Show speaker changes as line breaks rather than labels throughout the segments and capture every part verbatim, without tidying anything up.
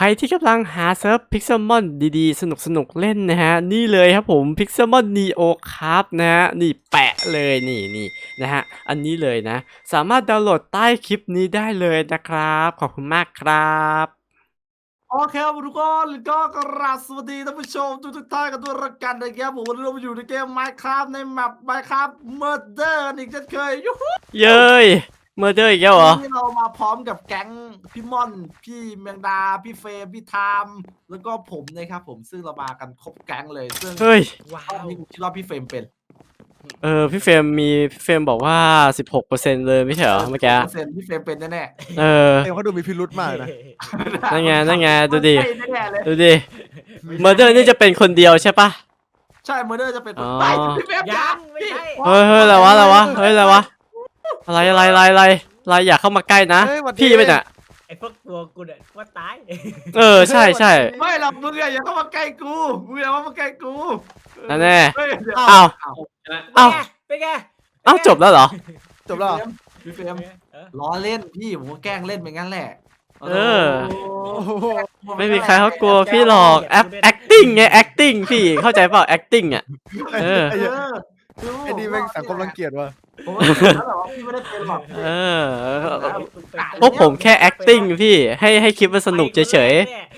รที่กำลังหาเซิร์ฟ Pixelmon ดีๆ สนุกๆ เล่นนะฮะ นี่เลยครับผม Pixelmon Neo ครับนะฮะ นี่แปะเลยนี่นี่นะฮะ อันนี้เลยนะ สามารถดาวน์โหลดใต้คลิปนี้ได้เลยนะครับ ขอบคุณมากครับ
โอเคครับทุกคนก็กราบสวัสดีท่านผู้ชมทุกทุกท่านกันด้วยรักกันนะครับผมวันนี้เราอยู่ในเกม Minecraft ในแมป Minecraft Murder อีกเช่นเคยยูฮู
เย้ยเมอร์เดอร์อีกแล้วเหรอ
วันนี้เรามาพร้อมกับแก๊งพี่ม่อน พี่เมียงดา พี่เฟรมพี่ไทม์แล้วก็ผมนะครับผมซึ่งเรามากันครบแก๊งเลยซึ่ง
เฮ้ย
ว้าวนี่ผมคิดว่าพี่เฟรมเป็น
เออ พี่เฟรมมีพี่เฟรมบอกว่า สิบหกเปอร์เซ็นต์ เลยไม่ใช่เหรอเมื่อกี้
เปอร์เซ็นต์พี่เฟรมเป็นแน่
เออ
เอ็มเขาดูมีพิรุธมากนะ
ๆ
นั่นไงนั่นไงดูดิ
ใช่แน่ๆเลย
ดูดิ เมอร์เดอร์นี่จะเป็นคนเดียวใช่ปะ
ใช่เมอร์เดอร์จะเป็น
อ๋อ
ไปพี่เฟรม
ยังไม่ใช่
เฮ้ยเฮ้ยอะไรวะอะไรวะเฮ้ยอะไรวะอะไรอะไรอะไรอะไรอะไรอย่าเข้ามาใกล้นะ
เฮ้ยหวัดดี
พี่ไม่น่ะ
ไอ้พวกตัวกูเนี่ยว่าตาย
เออใช่ใช่
ไม่หรอกมึงอะอย่าเข้ามาใกล้กูมึงอย่าเข้ามาใกล้กู
นั่นแน่
เฮ้ยเดี๋ยว
อ้าว เอ้า
เป็นไง
เอ้าจบแล้วเหรอ
จบแล้วเหรอ
พี่เฟรม
เออ
ล้อเล่นพี่ผมก็แกล้งเล่นไปงั้นแหละ
เออ
โอ้โห
ไม่มีใครเขากลัวพี่หรอกแอป acting ไง acting พี่เข้าใจเปล่า acting อ่ะเออ
เออ
ไอ้นี่แม่งสังคมรังเกียจว่ะ
ผมว่าแล้วแบบว่าพี่ไม่ได้เป็นหรอก
เออพวกผมแค่ acting พี่ให้ให้คลิปมันสนุกเฉย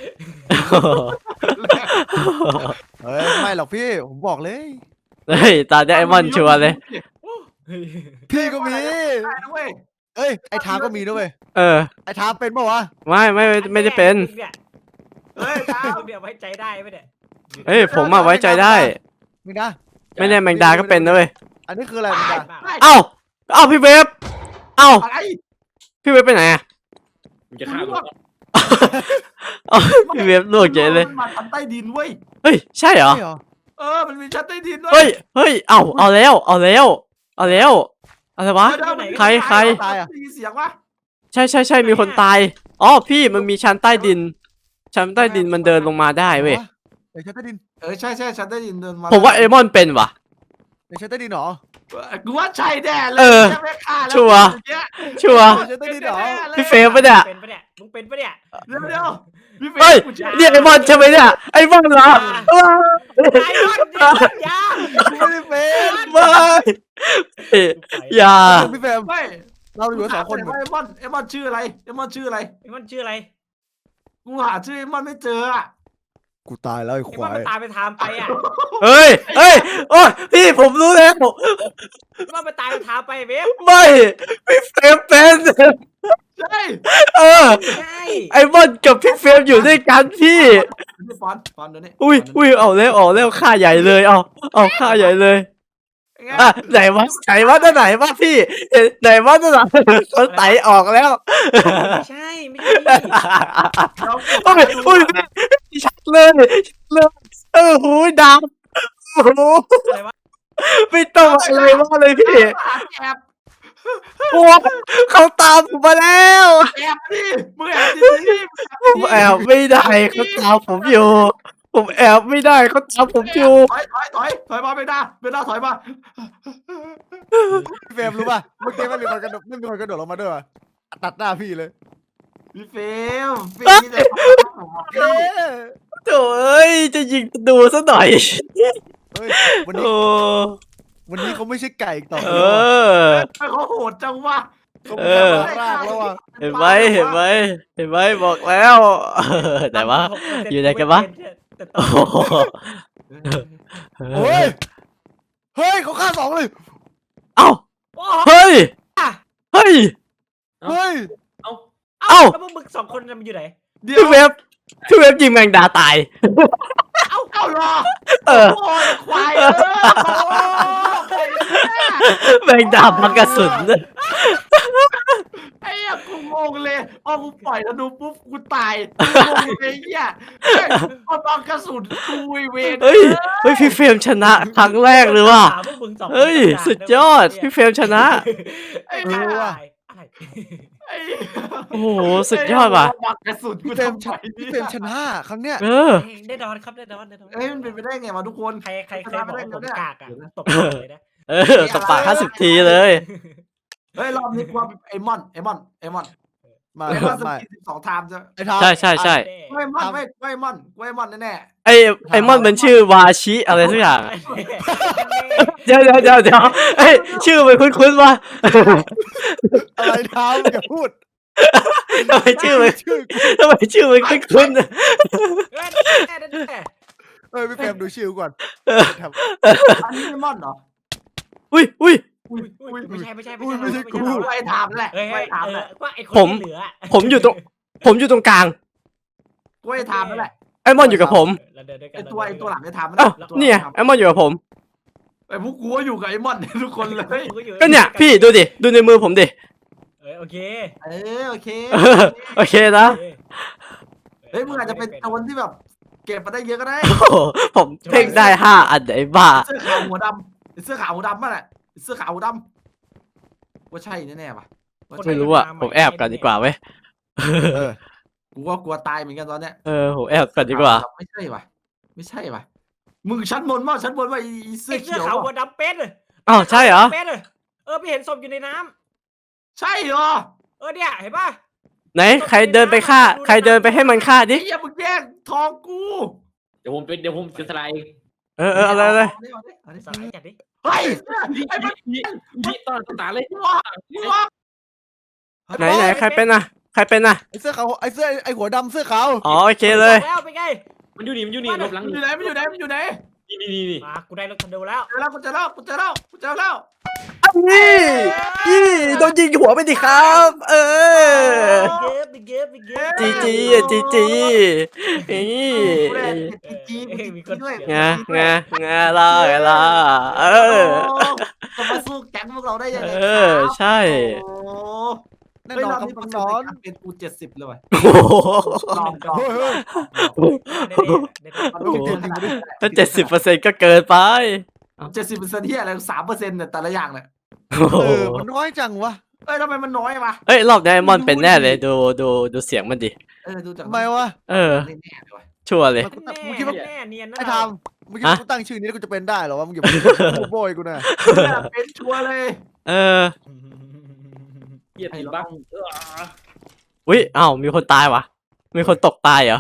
ๆ
เฮ้ยไม่หรอกพี่ผมบอกเลย
เฮ้ยตาไดมอนด์ชัวร์เลย
พี่ก็มี
ได้นะเว้ย
เอ้ยไอ้ทามก็มีด้วยเวย
เออ
ไอ้ทามเป็นปะวะ
ไม่ไม่ไม่ไม่ได้เป็น
เนี่ย
เฮ้ยตา
มึงเนี่ยไว้ใจได้ไหมเนี่ย
เฮ้ยผมอะไว้ใจได้
มึงนะ
ไม่แน่แมงดาก็เป็นนะเว้ย
อันนี้คืออะไรมึงดา
เอ้าเอ้าพี่เวฟเอ้า
อะไร
พี่เวฟไปไหนอะ
มึงจะฆ่ากู
เอ้าพี่เวฟลวกเฉยเลย
มันมาทำใต้ดินเว้ย
เฮ้ยใช่เหรอ
ใช่เหรอ
เออมันมีชั้นใต้ดินด้วย
เฮ้ยเฮ้ยเอ้าเอาแล้วเอาแล้วเอาแล้วอะไรวะ
เดี๋ยวๆ
ใครใคร
ตายอ่ะได้ยินเสียงวะ
ใช่ใช่ใช่มีคนตายอ๋อพี่มันมีชั้นใต้ดิน ชั้นใต้ดินมันเดินลงมาได้เว้ย
เดี๋ยวชั้นใต้ดิน
เออใช่ใช่ชั้นใต้ดินเดินมา
ผมว่าเอมอนเป็นว่ะ
เดี๋ยวชั้นใต้ดินเหรอ
กูว่าใช่แน่เลย
เออ
ใช่ไหมฆ่าแล้ว
ชัวร์
เมื่อกี้
ชัวร์
เดี๋ยวชั้นใต้ดินเหรอ
พี่เฟรมปะเนี่ย
เป็นปะเนี่ยมึงเป็นปะเนี่ย
เดี๋ยวเดี๋ยวพี่เฟรม
เฮ้ย
กูชื่อ
เรียกไอมอนใช่ไหมเนี่ยไอมอนเหรอ
ไอ้รอดเนี่ยยา
กูไม่ได้เป็น
ไม่อย่า
พี่เฟรม
ไม่
เราอยู่กันสองคน
เอมอนเอมอนชื่ออะไรเอมอนชื่ออะไร
ไอ้มันชื่ออะไร
กูหาชื่อเอมอนไม่เจออะ
กูตายแล้วไอ้
ไอ้
ค
มัน
วาย
มันตามไปทามไปอ่ะ
เฮ้ยเฮ้ยโอ้ยพี่ผมรู้แล้ว
ไอ้มันมันตามไปทามไปเว็บ
ไม่พี่เฟรมเป็น
ใช่
เออ
ใช่
ไอมอนกับพี่เฟรมอยู่ด้วยกันพี่
นี่ฟอนฟอนเดี๋ยวนี้
อุ้ยอุ้ยเอาแล้วเอาแล้วค่าใหญ่เลยเอาเอาค่าใหญ่เลย
ไง
อ่ะไหนวะไหนวะนั่นไหนวะพี่เอ๊ะไหนวะนั่นไหนเขาไตออกแล้ว
ไม่ใช่ไม่ใช่
เรา
โอ้ยโอ้ยชัดเลยชัดเลยเออหูยดำโอ้โห
อะไรวะ
ไม่ต้องอะไรมากเลยพี่
หาแอบ
โอ้เขาตามผมมาแล้ว
แอบดิมึงแอบดิมึงแอบดิ
ผมแอบไม่ได้เขาตามผมอยู่ ผมแอบไม่ได้เขาตามผมอยู่
ถอยถอยถอยถอยมาไม่ได้ไม่ได้ถอยมา
พี่เฟรมรู้ป่ะเมื่อกี้ไม่มีคนกระโดดไม่มีคนกระโดดลงมาด้วยว่ะตัดหน้าพี่เลย
พี่เฟลพี่จะ
เอ้ย
โถ่เอ้ยจะยิงดูซะหน่อย
เฮ้ยวันนี้
โอ้
วันนี้เขาไม่ใช่ไก่อีกต่อไป
เอ
แล้วว่ะ
อ
เขาโหดจังวะ
เขา
เอ
เป็น
อ
รากแล้วว่ะ
เห็นไหมเห็นไหมเห็นไหมบอกแล้วแต่ว่า อยู่ไหนกันวะ
แต่ต
โอ้
อน
โห
เฮ้ยเฮ้ยเขาฆ่าสองเลย
เอ้า
โอ้
เฮ้ยเฮ้ย
เฮ้ย
เอ้า
เอ้า
แล้วพวกมึงสองคนมันอยู่ไหน
เดี๋ยว
พี่เว็บพี่เว็บยิงแมงดาตาย
เอาเอาหรอ
เออ
โอ้ยควายเออโอ้ย
แมงดาพักกระสุน
ไอ้เหี้ยกูงงเลยอ๋อกูปล่อยธนูปุ๊บกูตายงงเลยไอ้เหี้ยพอตอนกระสุนกูเวร
เฮ้ยเฮ้ยพี่เฟรมชนะครั้งแรกเลยว่ะ
ถามพวกมึงสองคน
เฮ้ย
ต่างๆ
สุดยอดพี่เฟรมชนะ
ไอ้
อะไร
เหี้ย
อะไร
ไอ้
โอ้โหสุดยอดว่ะ
ปักกระสุนกู
พี่เฟรม
ทำไม
พี่เฟรมชนะครั้งเนี้ย
เออ
แน่นอนครับแน่นอนแน่นอน
เอ้ยมันเป็นไปได้ไงวะทุกคน
ใครใครเคยบอกว่าผมกากอ่ะตบเลยนะ
เออตบปากห้าสิบทีเลย
เฮ้ยรอบนี้กูว่าไอ้มอนไอ้มอนไอ้มอน
มา
ไอ้มอนส
ไม่
กินสิบสองไทม์จะ
ไอ้ทาม
ใช่ใช่ใช่
ไว้มอนไว้ไว้มอนไว้มอนแน่
ไอไอมอนมันชื่อวาชิอะไรสักอย่างเดี๋ยวเดี๋ยวเดี๋ยวเดี๋ยวเอ้ยชื่อมันคุ้นๆว่ะ
อะไรทามอย่าพูด
ทำไมชื่อมัน
ชื่อกู
ทำไมชื่อมันคุ้นๆอะ
เอ้ยพี่เฟรมดูชื่อกูก่อนทำ
ๆอันนี้ไม่มอนเหรอ
อุ้ยอุ้ย
อุ้ย
อุ้ยไม่ใช่ไม่ใช่ไม่
อุ้ย
ใช่
ไม่ใช่กู
ไว้ไทม์แหละ
เฮ้ย
ไว้ไทม์
เอ
แห
อ
ละ
ว่าไอ้คน
ผม
ที่เหลือ
ผมอยู่ตรง ผมอยู่ตรงกลาง
ไว้ไทม์นั่นแหละ
ไอมอนอยู่กับผม
เราเดินด้วยกั
ไอน ตัวไอตัวหลังไอ้ไทม์
เอ้า
ตัว
เนี่ยไอมอนอยู่กับผม
ไอ้พวกกูก็อยู่กับไอ้มอนทุกคนเลย
ก็เนี่ยพี่ดูดิดูในมือผมดิ
เออโอเค
เออโอเค
เออโอเคนะ
เฮ้ยมึงอาจจะเป็นโจรที่แบบ เก็บมาได้เยอะก็ได้
โอ้โหผมเพ่งได้ห้าอันไอ้บ้า
เสื้อขาวหัวดำไอ้เสื้อขาวหัวดำป่ะแหละไอ้เสื้อขาวหัวดำว่าใช่แน่ๆป่ะว่าใช่
ไม่รู้อ่ะผมแอบกันดีกว่าเว้ย
เออ
กูก็กลัวตายเหมือนกันตอนเนี้ย
เออผมแอบกันดีกว่า
ไม่ใช่ป่ะไม่ใช่ป่ะมึงชั้นบนว่าชั้นบนว่าไอ้เสื้
ไอ้
อ
เสื้
เขี
อ
ยว
ขาวหัว
ป่ะ
ดำเป็ด
อ้าวใช่เหรอ
เป็ดเออพี่เห็นศพอยู่ในน้
ใช่เหรอ
ำเออเนี่ยเห็นป่ะ
ไหนใครเดินไปฆ่า ใครเดินไปให้มันฆ่า
ไอ้
ดิ
เหี้ยมึงแย่งทองกู
เดี๋ยวผมเป็นเดี๋ยวผมจะสไลด์
เออเอออะไรอะไร
าดิเอาดิ
ส
เอา
ไล
ดิ
ด์จัดดิ
เฮ้ย
นี่
ไอ้มัน
นี่นี่ตอนตาเลย
มึงวะมึงวะ
ไหนไหนใครเป็นอ่ะ ใครเป็นอ่ะ
ไอ้เสื้อขาวไอ้เสื้อไอ้หัวดำเสื้อขาว
อ๋อโอเคเลย
แล้วเป็นไง
มันอยู่นี่มันอยู่นี่ลบหลัง
มันอยู่ไหนมันอยู่ไหนมันอยู่ไหน
นี่นี่นี่นี่
มากูได้รถคันเดียวแล้ว
เจอแล้วกูเจอแล้วกูเจอแล้วกูเจอแล้ว
นี่นี่โดนยิงหัวไปดิครับ เออ
เก็บเก็บเก็บ
จีจีอ่ะจีจีนี่
กูได้จีจี
มีคน
ด้วย
ไงไงไงล่ะไงล่ะเออ
จะมาสู้แก๊งพวกเราได้ยังไง
เออใช่
โอ้
แน่
เฮ้ย
นอน
รอบ
ครับ
นี้เปอร์
น้
เซ็นต์
อง
ในการเป็นกูเจ็ดสิบเลยว่ะ
โอ้โห
ลองลอง
เฮ้ยเฮ้ย
ลอง
ถ้าเจ็ดสิบเปอร์เซ็นต์ก็เกินไป
เจ็ดสิบเปอร์เซ็นต์ที่อะไรสามเปอร์เซ็นต์เนี่ยแต่ละอย่างเนี่ย
โอ้โห
เออมันน้อยจังวะ
เอ้ยทำไมมันน้อยวะ
เอ้ยรอบนี้ไอ้มอนเป็นแน่เลยดูดูดูเสียงมันดิ
เออดูจาก
ทำไมวะ
เออ
แน่ๆเลยว่ะ
ชัวร์เลย
มันกูตั้งมึงคิดว่า
แน่เนียนนะ
ไอ้ทามมึงคิดว่ากูตั้งชื่อนี้แล้วกูจะเป็นได้เหรอวะมึงอย่าพูดโบยกูนะ
เนี่ยเป็นชัวร์เลย
เออ
เหยียดติดบักเออ
อุ้ยอ้าวมีคนตายวะมีคนตกตายเหรอ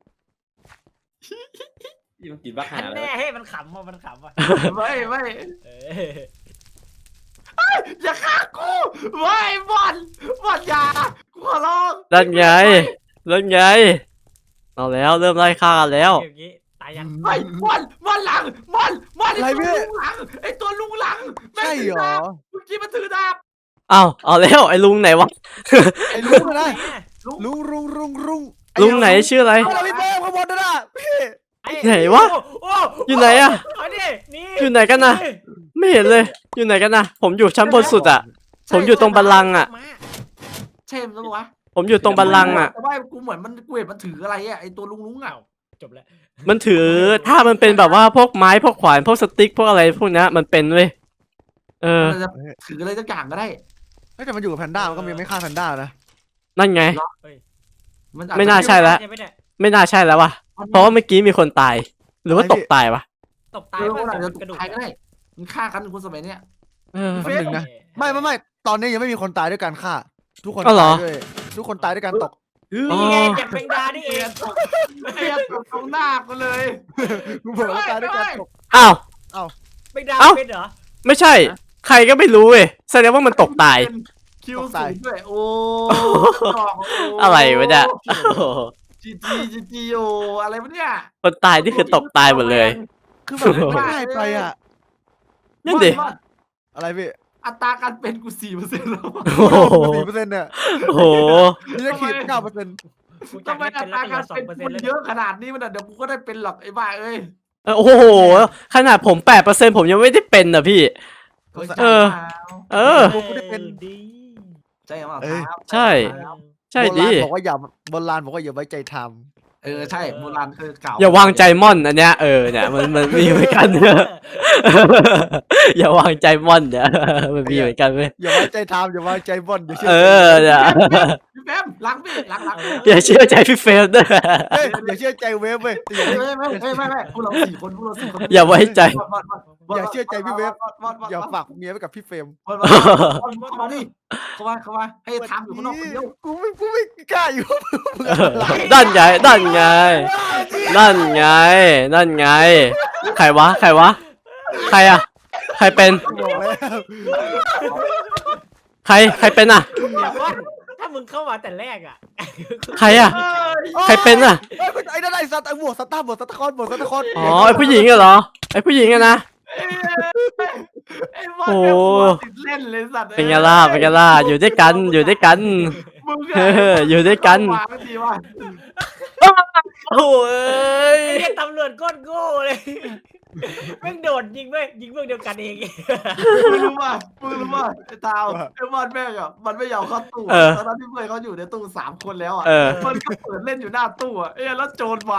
นี่มันติดบักหา
อัน
แล้
แน่
ว
ให้มันขำว่ะมันขำว่ะ
ไม่ไม่
เออ
อย่าฆ่ากูไม่บอลบอลอย่ากูขอร้อง
นั่นไงนั่นไงเอาแล้วเริ่มไล่ฆ่ากันแล้ว
อย่างงี้ตายยัง
ไอ้บอลบอลหลังบอลบอลไอ้ตัวลุงหลังไอ้ตัวลุงหลัง
ใช่เหรอ
เมื่อกี้มันถือดาบ
อ้าวเอาแล้วไอ้ลุงไหนวะ
ไอ้ลุงนะ
ลุง
ลุงลุงลุงลุง
ลุงไหนชื่ออะไร
ไอ้เราพี่เต้ข้างบนนั่นน่ะพี่
ไหนวะ
โอ้
อยู่ไหนอะ
เอาดินี่
อยู่ไหนกันนะไม่เห็นเลย อยู่ไหนกันนะผมอยู่ชั้นบนสุดอะผมอยู่ตรงบัลลังก์อะ
มา
ใช่มั้ยวะ
ผมอยู่ตรงบัลลังก์อะ
แต่ว่ากูเหมือนมันกูเห็นมันถืออะไรอ่ะไอ้ตัวลุงลุงอ่ะ
จบแล้ว
มันถือถ้ามันเป็นแบบว่าพวกไม้พวกขวานพวกสติ๊กพวกอะไรพวกนี้มันเป็นเว้ยเออ
มันจะถืออะไรสักอย่างก็ได้
เฮ้ยแต่มันอยู่กับแพนด้ามันก็ยังไม่ฆ่าแพนด้านะ
นั่นไง
มันอจจะ
ไม่น่าใช่แล้ว
ใช่ไหมเนี่ย
ไม่น่าใช่แล้ววะเพราะว่าเมื่อกี้มีคนตาย หรือว่าตกตายวะ
ตกตาย
เออ
ป่ะ
มันอาจจะ
กระดูก
ตายก็ได้มันฆ่ากันคนสมัยเนี้ย
เออ
แป๊บนึงนะไม่ไม่ไม่ตอนนี้ยังไม่มีคนตายด้วยการฆ่า ทุกคน
อ๋อเหรอ
ตายด้วยทุกคนตายด้วยการตก
อ๋อ
นี่ไงเจ็บแมงดานี่เอง
เปียกตรงหน้ากูเลย
กูบอกว่าตายด้วยการตก
อ้าว
แมงดา
เอ้า
เป็นเหรอ
ไม่ใช่ ใครก็ไม่รู้เว้ยแสดงว่ามันตกตาย
คิวสูงด้วยโอ้
อะไรวะเนี่ยโอ้โห
จีจีจีจีโออะไรวะเนี่ย
คนตายนี่คือตกตายหมดเลย
คือแบบมันง่ายไปอ่ะ
นั่นดิ
ว่า
อะไรพี่
อัตราการเป็นกูสี่เปอร์เซ็นต์แล้ว
โอ้โห
สี่เปอร์เซ็นต์เนี่ย
โอ้โห
นี่จะขีดเก้าเปอร์เซ็นต์
กูจะ
ทำไม
ให้
อั
เป็น
ต
แล้ว
รา
ก็เหลื
การ
อสอง
เป็น
เปอร์เซ็นต์แล้ว
กูเยอะขนาดนี้มันเดี๋ยวกูก็ได้เป็นหรอกไอ้บ้าเอ้ย
โอ้โหขนาดผมแปดเปอร์เซ็นต์ผมยังไม่ได้เป็นอ่ะพี่ เออ เออ
กูไม่ได้เป็น
ดี
ใช่ไหม
เอ้ย
ครับ
ใช่ ใช่
โบรา
ดิ
ณบอกว่าอย่าโบราณบอกว่าอย่าไว้ใจท
เออใช่โบราณคือเก่า
อย่าวางใจม่อนอันเนี้ยเออเนี่ยมันมันมีเหมือนกัน อย่าวางใจม่อนเนี่ยมันมีเหมือนกันเว้ย
อย่าไว้ใจทามอย่าไว้ใจบอลอย่าเชื่
เอ
อ
อเนี่ย
พี่แฟมล้างพี่ล้างล้าง
อย่าเชื่อใจพี่เฟรมด้วย
เฮ้ยอย่าเชื่อใจเวฟเว้ยอย่า
ไม่ไม่ไม่ไม่ไม่พวกเราสี่คนพวกเราสี่คน
อย่าไว้ใจ
อย่าเชื่อใจพี่เวฟ
บอลบอล
อย่าฝากเมียไว้กับพี่เฟรม
บอลเข้ามาดิเข้ามาเข้ามาให้ทำอยู่ข้างนอกคนเดียว
กูไม่กูไม่กล้าอยู่
เออนั่นไงนั่นไงนั่นไงนั่นไงใครวะใครวะใครอะใครเป็น
บอกแล้ว
ใครใครเป็นอะ
เดี๋ยวก่อนถ้ามึงเข้ามาแต่แรกอ่ะ
ใครอะใครเป็นอะ
เอ้ยไอ้นั่นไอ้สัตว์ไอ้บวกสตาร์บวกสตาร์คอนบวกสตาร์คอน
อ๋อไอผู้หญิงอะเหรอไอผู้หญิงอะนะ
ไอ้บอลเนี่ยหัวติดเล่นเลยสัตว์
เป็นไงล่ะเป็นไงล่ะอยู่ด้วยกันอยู่ด้วยกัน
มึง
เอออยู่ด้วยกัน
วางดีว่า
โอ้ย
ไอ้เนี่ยตำรวจก้นโง่เลยแม่งโดดยิงเว้ยยิงเพื่อนเดียวกันเอง
มึงรู้ป่ะมึงรู้ป่ะไอ้ตาวไอ้บอลแม่งอ่ะมันไม่ยอมเข้าตู้ตอนนั้นที่เพื่อนเขาอยู่ในตู้สามคนแล้วอ่ะ
เออ
มันก็เปิดเล่นอยู่หน้าตู้อ่ะเอ้ยแล้วโจรมา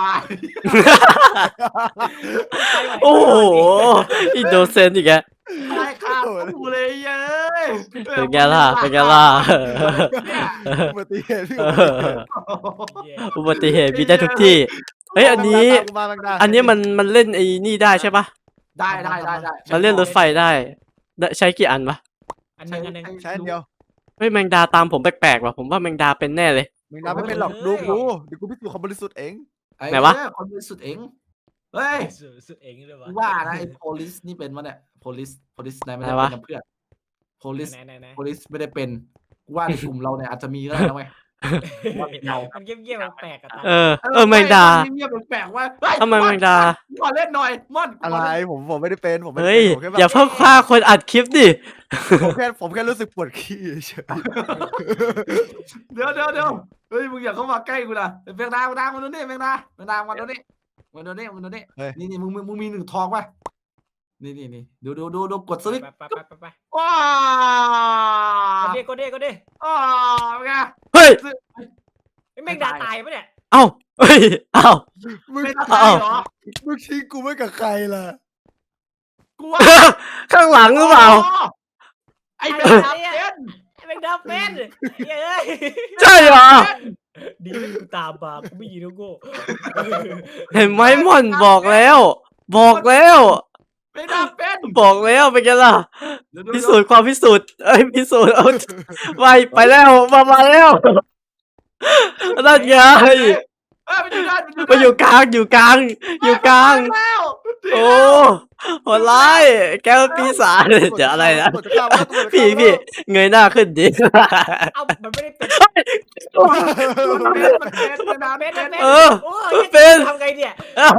โอ้โหอินโดเซนอีกแก
ตายคาตู้เลยเย้ย
เป็นไงล่ะเป็นไงล่ะ
อุบัติเหตุพี่
เอออุบัติเหตุมีได้ทุกที่เฮ้ยอันนี้
มาแมงดา
อันนี้มันมันเล่นไอ้นี่ได้ใช่ปะ
ได้ได้ได้ได้
มันเล่นรถไฟได้ได้ใช้กี่อันวะ
อันหนึงอันหนึง
ใช้อันเดียว
เฮ้ยแมงดาตามผมแปลกๆว่ะผมว่าแมงดาเป็นแน่เลย
แมงดาไม่เป็นหรอกดูกูเดี๋ยวกูพิสูจน์ความบริสุทธิ์เอง
ไหนวะ
อ้คนบริสุทธิ์เองเฮ้ย
สุดสุดเองเลยวะ
ว่านะไอ้ police นี่เป็นวะเนี่ย police police นายไม่ได้เป็นกับเพื่อน police
ไหนไหนไหน
police ไม่ได้เป็นกูว่าในกลุ่มเราเนี่ยอาจจะมีก็ได้นะเว้ย ว่าเป็นเรา
มันเงียบๆแปลกๆอะตา
เออเออแมงดา
เงียบๆแปลกๆว่าเฮ้ย
ทำไมแมงดา
ขอเล่นหน่อยม่อน
อะไรผมผมไม่ได้เป็นผมไม่ได้
เฮ้ย
เป็นผมแค่แบบ
อย่าเพิ่งฆ่าคนอัดคลิปดิ
ผมแค่ผมแค่รู้สึกปวดขี้เฉย
เดี๋ยวเดี๋ยวเดี๋ยวเฮ้ยมึงอย่าเข้ามาใกล้กูนะแมงดาแมงดามาดูนี่แมงดาแมงดามาดูนี่มาดูนี่มาดูนี่นี่นี่มึงมึงมึงมีหนึ่งทองป่ะนี่นี่นี่ดูดูดูดูกดสวิตช์
ไปไปไปไป
ว้า
ก็เด้ก็เด้ก็เด้
ว้าเป็นไง
เฮ้ย
ไอ้แม่งด่าตายปะเนี่ย
เอ้าเฮ้ยเอ้า
มึง
ไม่ตายเหรอ
มึงทิ้งกูไว้กับใครล่ะ
กูว่า
ข้างหลังหรือเปล่า
ไอ้แมงดาเป็น
ไอ้แม่งด่าเป็นเฮ้ย
ใช่เหรอ
ดีไม่กูตามมากูไม่ยิงแล้วโง่
เห็นไหมม่อนบอกแล้ว บอกแล้ว
แมงดาเป็น
บอกแล้วเป็นไงล่ะ
เดี๋ยวๆๆ
พิสูจน์ความพิสูจน์เอ้ยพิสูจน์เอาไปไปแล้วมามาแล้วนั่นไง
เอ้ยมันอยู่ด้าน
มาอยู่กลางอยู่กลางอยู่กลาง
แล้ว
โอ้โหดร้ายแกเป็นปีศาจเดี๋ยวอะไรนะ
ตำวจจฆ่าว่าตำรวจจะฆ่า
พี่
ว่า
พี่เงยหน้าขึ้นดิ
เอ้ามันไม่ได้เป็น
มันเป็นแมงดา
เป็
เป็น น
เป็น
เออ
โอ้
เป็น
ทำไงเนี่ย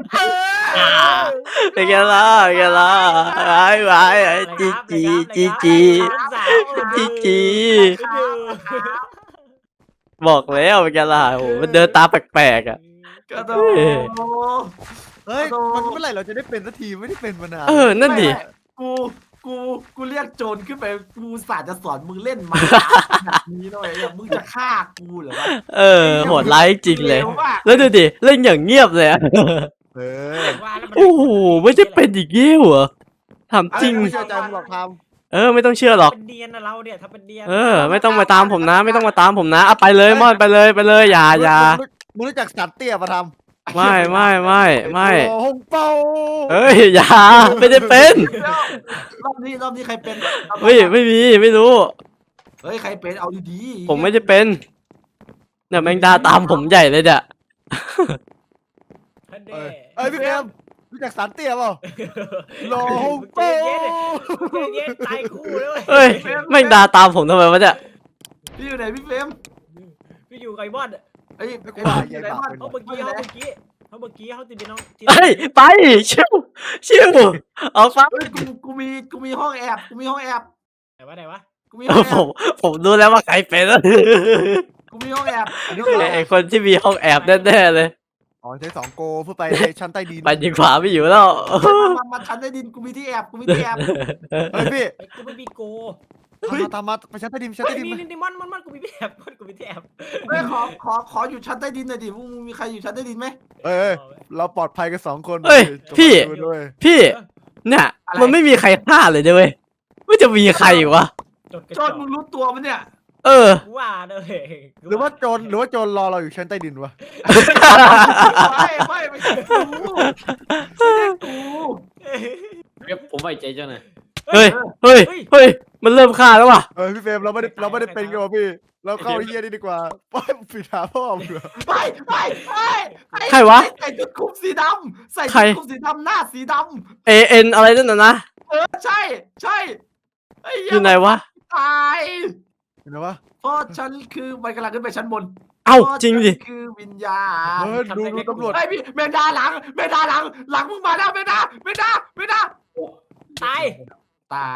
เป็นไงล่ะเป็นไงล่ะไอ้ไอ้ไอ้จีจีจีจีจีจีบอกแล้วเป็นไงล่ะโอ้โหมันเดินตามแปลกๆอ่ะ
กระโด
เอ้ย
ด
เฮ้ยมันเมื่อไหร่เราจะได้เป็นสักทีไม่ได้เป็นมานาน
เออนั่นดิ
กูกูกูเรียกโจรขึ้นไปกูศาสตร์จะสอนมึงเล่นมาแบบนี้หน่อยอย่างมึงจะฆ่ากูเหรอวะ
เออโหดร้ายจริงเลย
ร็วมาก
แล้วดูดิเล่นอย่างเงียบเลยอะ
เออ
โอ้โหไม่ได้เป็นอีกเงี้ยเหรอถามจริง
ไม่เชื่อใจมึงหรอกท
เออไม่ต้องเชื่อหรอก
เป็นเดียนนะเราเนี่ยถ้าเป็นเดียน
เออ ไม่ต้องมาตามผมนะ ไม่ต้องมาตามผมนะเอาไปเลยม่อนไปเลยไปเลยอย่า
ำ
อย่า
มึงรู้จักสัตว์เตี้ยมาทำ
ไม่ไม่ไม่ไม่
โอ้ฮงเปา
เอ้ยอย่าไม่ได้เป็น
รอบนี้รอบนี้ใครเป็น
เฮ้ยไม่มีไม่รู้
เฮ้ยใครเป็นเอาดีๆ
ผมไม่ได้เป็นเนี่ยแมงดาตามผมใหญ่เลยเนี่ย
ท่าน
เอ
เด้
อเอ้ยพี่แอมรู้จักสัตว์เตี้ยเปล่าโลฮง
ใจ
เปา
เย็นใจเย็นตายคู่เลย
เอ้ยแมงดาตามผมทำไมวะเนี่ย
พี่อยู่ไหนพี่เฟรม
พี่อยู่ไก่บอด
เอ้ย
ไม่ก
ไอ้
ลัว
บ้าน
ใหญ่
ไอ้
ปาก
บ้าน
เป็น
เขาเมื่อกี้เขาเมื่อกี้เขาเมื่อกี้เขาติดเป็นน้อง
เฮ้ยไปชิวชิวเอาฟัง
เฮ้ยกูกูมีกูมีห้องแอบกูมีห้องแอบ
ไหนวะไหนวะ
กูมี
เอ
ห้อ
อง
แอ
ผ
บ
มผมรู้แล้วว่าใครเป็นแล้ว
กูมีห้องแอบอันนี้
ไอ้คนที่มีห้องแอบแน่ๆเลย
อ๋อใช้สองโกเพื่อไปในชั้นใต้ดิน
ไปยิงขวาไม่อยู่แล้ว
มามาชั้นใต้ดินกูมีที่แอบกูมีที่แอบ
เฮ้ยพี่
ไอ้กูไม่มีโก
ตามมาตามมาไปชั้นใต้ดินชั้น
เฮ้ย
ใต้ดิน
นี่
มา
นี่นี่มอนมอนมอนกูมีพี่แอบมอนกูมีพี่แอบ
เฮ้ยขอขอขออยู่ชั้นใต้ดินหน่อยดิมึงมีใครอยู่ชั้นใต้ดินไหม
เอ้ยเอ้ยเราปลอดภัยกันสองคน
เอ้ย
จง
พี่
ดูด้วย
พี่เนี่ยมันไม่มีใครฆ่าเลยนะเว้ยไม่จะมีใครอีกวะ
จดกระ
โจ
จ
น
อก
มึงรู้ตัวมันเนี่ย
เออ
กูว่าเลย
หรือว่าโจรหรือว่าโจรรอเราอยู่ชั้นใต้ดินวะ
ไม่ไม่ไม่ใช่กูไม่ใช่กู
เว็บผมไว้ใจเจ้าหน่อย
เฮ้ยเฮ้ยเฮ้ยมันเริ่มฆ่าแล้วว่ะ
เออพี่เฟรมเราไม่ได้เราไม่ได้เป็นกันวะพี่ เราเข้าไอ้เฮียนี่ดีกว่าไปปิดหาพ่อมึงเหรอ
ไปไปไปไอ้
ใครวะ
ใส่ชุดคลุมสีดำใส่
ใคร
ชุดคลุมสีดำหน้าสีด
เอเอ็นอะไรนั่นน่ะนะ
ำเออใช่ใช่ไอ้
อ
เหี้
ยู่ไหนวะ
ตาย
เห็นไหมวะ
เพราะฉันคือมันกำลังขึ้นไปชั้นบน
เอ้าจริงดิ
เพาะฉันคือวิญญาณ
เออดูดูตำรวจ
ไอ้พี่แมงดาหลังแมงดาหลัง หลังมึงมาแล้วแมงดาแมงดาแมงดา
ตาย
ตาย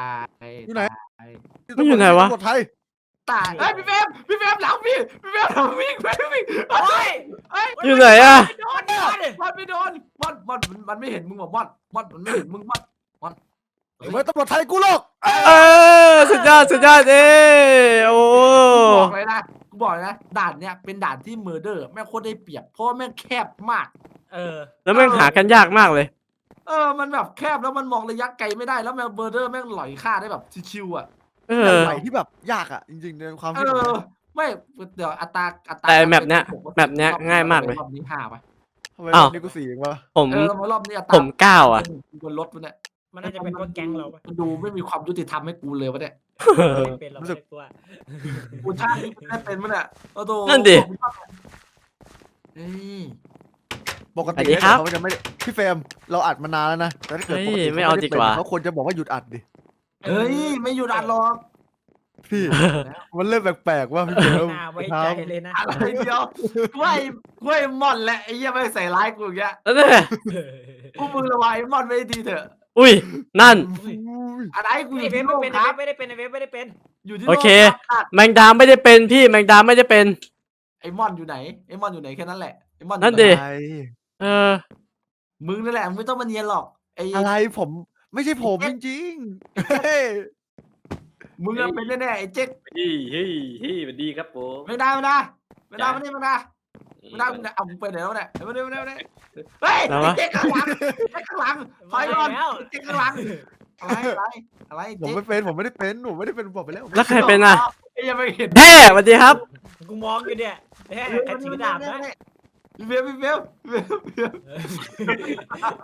อยู่ไหน
ตาย
มันอยู่ไหนวะ
ตำรวจไทย
ตายเฮ้ยพี่เฟรมพี่เฟรมหลังพี่พี่เฟรมหลังวิ่งไปวิ่ง
โอ้ย
เฮ้ย
อยู่ไหนอะ
ไม่โดนมันไม่โดนมันมันมันไม่เห็นมึงหรอกมันมันมันไม่เห็นมึงมันมัน
เฮ้ยตำรวจไทยกูหรอก
เออสุดยอดสุดยอดเอ้โอ้
กูบอกเลยนะกูบอกเลยนะด่านเนี้ยเป็นด่านที่เมอร์เดอร์แม่งโคตรได้เปรียบเพราะว่าแม่งแคบมาก
เออ
แล้วแม่งหากันยากมากเลย
เออมันแบบแคบแล้วมันมองระยะไกลไม่ได้แล้วแม่งเมอร์เดอร์แม่งหลอยฆ่าได้แบบชิวๆอ่ะ
เอ
แต่
อ
ไหนที่แบบยากอ่ะจริงๆในความ
เอ
คิดผม
อ
นะ
ไม่เดี๋ยวอัตราอัตรา
แต่แมปเนี้ยแมปเนี้ยง่ายมากเลย
รอบนี้ห้าไป
ทำไม
อ้าว
วันนี้กูสี่เองวะ
ผม
เออรอบนี้อัตรา
ผมเก้าอ่ะ
บนรถมันเนี่ย
มันน่าจะเป็นพวกแก๊งเราปะ
มันดูไม่มีความยุติธรรมให้กูเลยวะเนี่ย
ไม่เป็นเราไม่ได้กลัว
กูชาตินี้ได้เป็นมั้ยเนี่ยโอ้โห
นั่นดิ
เฮ้ย
ปก
สวั
ติ
สดีครับ
เขาจะไม่พี่เฟรมเราอัดมานานแล้วนะแต่ถ้าเกิดปกติ
เฮ้ยไม่เอาดีกว่า
เขาควรจะบอกว่าหยุดอัดดิ
เฮ้ยไม่อยู่ด่านหรอก
พี่มันเริ่มแปลกๆว่าพี่เฟรม
น่าไว้
ค
ใจ
รับ
เลยนะ
อะไรเดียวกล้วยกล้วยมอนแหละไอ้เหี้ยไม่ใส่ร้ายกูอย่างเงี้ย
แล้วเนี่ย
กูมึงระวังไอ้มอนไม่ดีเถอะ
อุ้ยนั่น
อุ้ย
อะไรกูอ
ไอ้
ยู่
เว็
ที่
บ
โล
ไม่
ก
เป็น
ครับ
ไม่ได้เป็นไอ้เว็บไม่ได้เป็น
อยู่ที่
โอ
โลก
เค
ครับ
แมงดาไม่ได้เป็นพี่แมงดาไม่ได้เป็น
ไอ้มอนอยู่ไหนไอ้มอนอยู่ไหนแค่นั้นแหละไอ้มอนอยู่
นั่น
ไห
ดิ
อะไร
เออ
มึงนั่นแหละมึงไม่ต้องมาเนียนหรอกไอ้
อะไรผมไม่ใช่ผมจริงๆเฮ้ย
มึงอะเป็นแน่ๆไอ้เจ๊ก
เฮ้ยเฮ้ยเฮ้ยสวัสดีครับผม
ไม่ได้ไม่ได้ไม่ได้ไม่ได้ไม่ได้ไม่ได้ไม่ได้เอามึงไปไหนแล้วเนี่ยไม่ได้ไม่ได้ไม่ได้เฮ้ย
อะไร
ไอ้
วะ
เจ๊กข้างหลังไอ้ข้างหลังถอยก่อน
แล้ว
ไอ้เจ๊กข้างหลังอะไรอะไรอะไร
ผม
เจ๊ก
ไม่เป็นผมไม่ได้เป็นผมไม่ได้เป็นบอกไปแล้ว
แล้วใครเป็นอ่ะ
ไอ้ยังไม่เห็น
แท้สวัสดีครับ
กูมองอยู่เนี่ยแค่กันถือดาบนะ
พี่เบลพี่เบลพี่เบลพี่เบล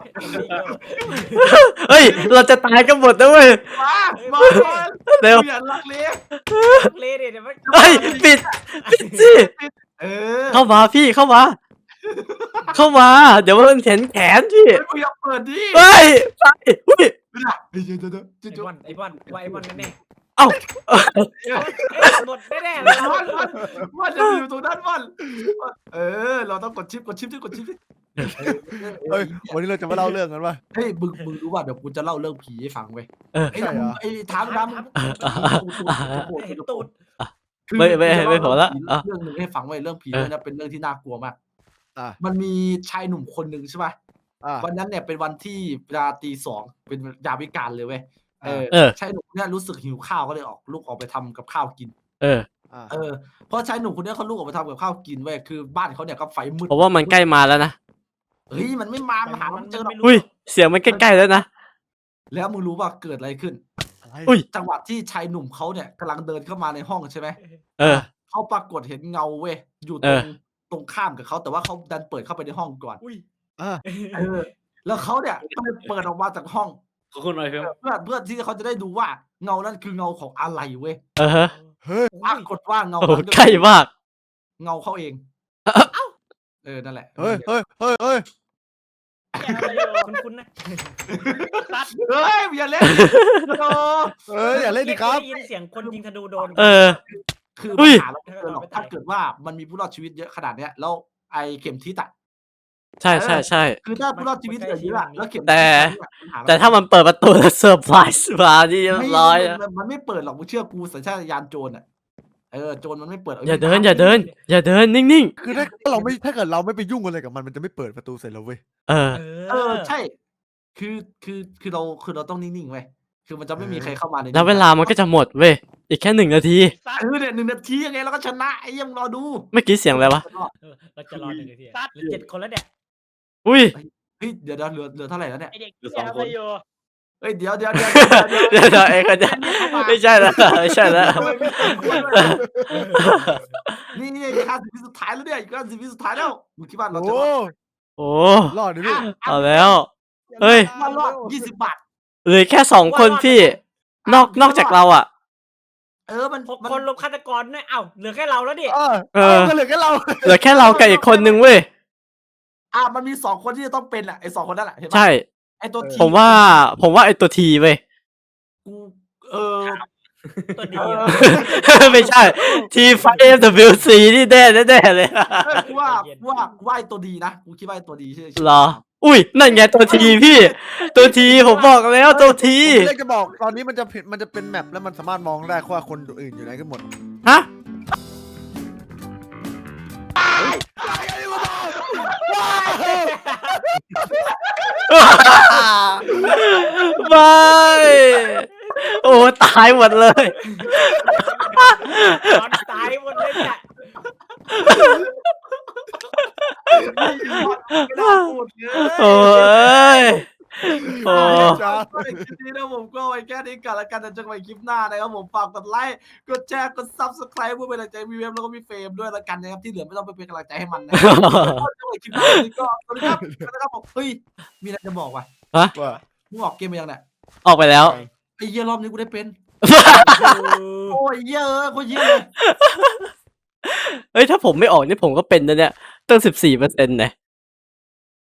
เฮ้ยเราจะตายกันหมดนะเว้ย
มามาก่อน
เร็ว
อย่าลักเลี้ย
เล่เนี่ยเดี๋ยวมัน
เฮ้ยปิดปิดสิ
เออ
เข้ามาพี่เข้ามา เข้ามา เดี๋ยวมันเห็นแขนพี่
เฮ้ยมึงอย่าเปิดดิ
เฮ้ยไปอุ้ย
ไม่ได้เดี๋ยวเดี๋ยวเดี๋ยว
ไอ้
เดี๋ยว
บอลไอ้บอลว่าไอ้บอลแน่
เอ้า
ๆหมดแน่ๆเลย
มันมันมันจะอยู่ตรงนั้นมันเออ เราต้องกดชิปกดชิปดิกดชิปดิ
เฮ้ยวันนี้เราจะมาเล่าเรื่องกันว่า
เฮ้ยมึงมึงรู้ว่าเดี๋ยวกูจะเล่าเรื่องผีให้ฟังเว้ย
เออ
ไอ้
ใช่เหรอ
ไอ้ถามถาม
เห็นตูด
ไม่ไม่ไม่พอละอ่ะ
เรื่องหนึ่งให้ฟังไว้เรื่องผี
เออ
เนี่ยเป็นเรื่องที่น่ากลัวมาก
อ่ะ
มันมีชายหนุ่มคนหนึ่งใช่ป่ะ
อ่ะ
วันนั้นเนี่ยเป็นวันที่เวลาตีสองเป็นยามวิกาลเลยเว้ยเออ
เออ
ชายหนุ่มเนี่ยรู้สึกหิวข้าวก็เลยออกลุกออกไปทำกับข้าวกิน
เออ
อ่ะ
เออเพราะชายหนุ่มคนเนี้ยเขาลุกออกไปทำกับข้าวกินเว้ยคือบ้านเขาเนี่ยก็ไฟมืด
ผมว่ามันใกล้มาแล้วนะ
เฮ้ยมันไม่มามาหาเราไม่เจอหรอก
อุ้ยเสียงมันใกล้ๆแล้วนะ
แล้วมึงรู้ป่ะเกิดอะไรขึ้น
อะไร
อุ้ย
จังหวะที่ชายหนุ่มเขาเนี่ยกำลังเดินเข้ามาในห้องใช่ไหม
เออ
เขาปรากฏเห็นเงาเว้ยอยู่ต
เอ
รง
อ
ตรงข้ามกับเขาแต่ว่าเขาดันเปิดเข้าไปในห้องก่อน
อุ้ย
อ่ะ
เออ แล้วเขาเนี่ยก็เลยเปิดออกมาจากห้อง
ขอบคุณหน่อยเพิ่ม
เพื่อเพื่อที่เขาจะได้ดูว่าเงานั้นคือเงาของอะไรเว้ย
เออฮะ
เฮ้ย
ปรากฏว่าเงา
โอ้โห
นั้น
ใกล้มาก
เงาเขาเองเออนั่นแหละ
เฮ้ยเฮ้ยเฮ้ยเฮ้ย
คุ้นๆนะ
เฮ้ยอย่าเล่นโอ้
เฮ้ยอย่าเล่นดิครับ
ได้ยินเสียงคนยิงธนูโดน
เออ
คือ
อุ้
ปัญ
ย
หาเราไม่เกิดหรอกถ้าเกิดว่ามันมีผู้รอดชีวิตเยอะขนาดเนี้ยแล้วไอ้เข็มทิศอ่ะ
ใช่ใช่ใช่
คือถ้าผู้รอดชีวิตเหลือเยอะอะแล้วเข็มทิศ
แต่
ปัญหเร
แต่ถ้ามันเปิดประตูแล้วเซอร์ไพรส์มานี่เรียบร้อย
ไม่
อะ
มันมันไม่เปิดหรอกมึงเชื่อกูสัญชาตญาณโจรอ่ะเออโจรมันไม่เปิด
อย่าเดินอย่าเดิน อย่าเดินนิ่ง
คือถ้าถ้าเราไม่ถ้าเกิดเราไม่ไปยุ่งอะไรกับมันมันจะไม่เปิดประตูใส่เราเว้ย
ๆ เออ
เออใช่ คือคือคือเราคือเราต้องนิ่งๆไว้ยคือมันจะไม่มีใครเข้ามาในนี้
แล้วเวลามันก็จะหมดเว้ยอีกแค่หนึ่งนาที
ซัด
เออเนี่ยหนึ่งนาทียังไงเราก็ชนะไอ้เหี้ยังรอดู
เมื่อกี้เสียงอะไรวะ
เออเราจะรอหนึ่งนาทีเหลือเจ็ดคนแล้วเนี่ย
อุ้ย
เฮ้ยเดี๋ยวเดี๋ยวเหลือเหลือเท่าไหร่แล้วเนี่ย
ไอเด็กที่ทำอะไรอยู่
เฮ้ยเดี๋ยวเดี๋ยวเดี๋ยวเดี๋ยวเดี๋ยว
เดี๋ยวเดี๋ยวเอ็กซ์จะไม่ใช่แล้วไม่ใช่แล้ว
ทำไมมีสองคนด้วยนี่นี่อีกห้าสิบวิสุดท้ายแล้วเนี่ยอีกห้าสิบวิสุดท้ายแล้วมึงคิดว่าเราจะ
โอ้
รอด
โอ้
รอดดิพี่
เอาแล้ว เฮ้ย
มารอดยี่สิบบาท
เหลือแค่สองคนพี่ นอกนอกจากเราอ่ะ
เออมัน
หก
มัน
คนรวมฆาตกรด้วยเอ้าเหลือแค่เราแล้วดิ
เออ
เออ
ก็เหลือแค่เรา
เหลือแค่เรากับอีกคนนึงเว้ย
อ่ะมันมีสองคนที่จะต้องเป็นอ่ะไอ้สองคนนั่นแหละเห็นปะ
ใช่
ไอ้ตัวที
ผมว่า ผมว่าไอตัวทีเว้ย
กูเออ
ตัวดี
เอ
อะ
อ
ไม่ใช่ ทีไฟเอ็มดับเบิลซีนี่แน่แน่ๆเลย
เออกูว่ากูว่ากูว่าไอ้ตัวดีนะกูคิดว่าไอ้ตัวดีชื่อชื่
เหรอ อุ้ย นั่นไงตัวทีพี่ ตัวทีผมบอกแล้วตัวที
ผมเล็กจะบอกตอนนี้มันจะผิดมันจะเป็นแมปแล้วมันสามารถมองได้ว่าคนอื่นอยู่ไหนกันหมด
ฮะ ไม่ โอ้ตายหมดเลย
ตอนตายหมดเลยจ้ะ
ไม่ได้พูดเลย
โอ้ย โอ้
จ้า
ก็ในคลิปนี้นะผมก็ไว้แค่นี้ก่อนละกันแต่เจอกันใหม่คลิปหน้านะครับผมฝากกดไลค์กดแชร์กด ซับสไครบ์ เพื่อเป็นกำลังใจมีเวฟแล้วก็มีเฟรมด้วยละกันนะครับที่เหลือไม่ต้องไปเป็นกำลังใจให้มันนะครับก็เจอกันใหม่คลิปหน้าวันนี้ก็สวัสดีครับสวัสดีครับผมเฮ้ยมีอะไรจะบอกว่ะ
ว่า
มึงออกเกมมายังเนี่ย
ออกไปแล้ว
ไอ้เหี้ยรอบนี้กูได้เป็นโอ้ยเหี้ยเอะโคตรเหี้ยเลย
เฮ้ย ถ้าผมไม่ออกนี่ผมก็เป็นนะเนี่ย ตั้งสิบสี่เปอร์เซ็นต์เนี่ย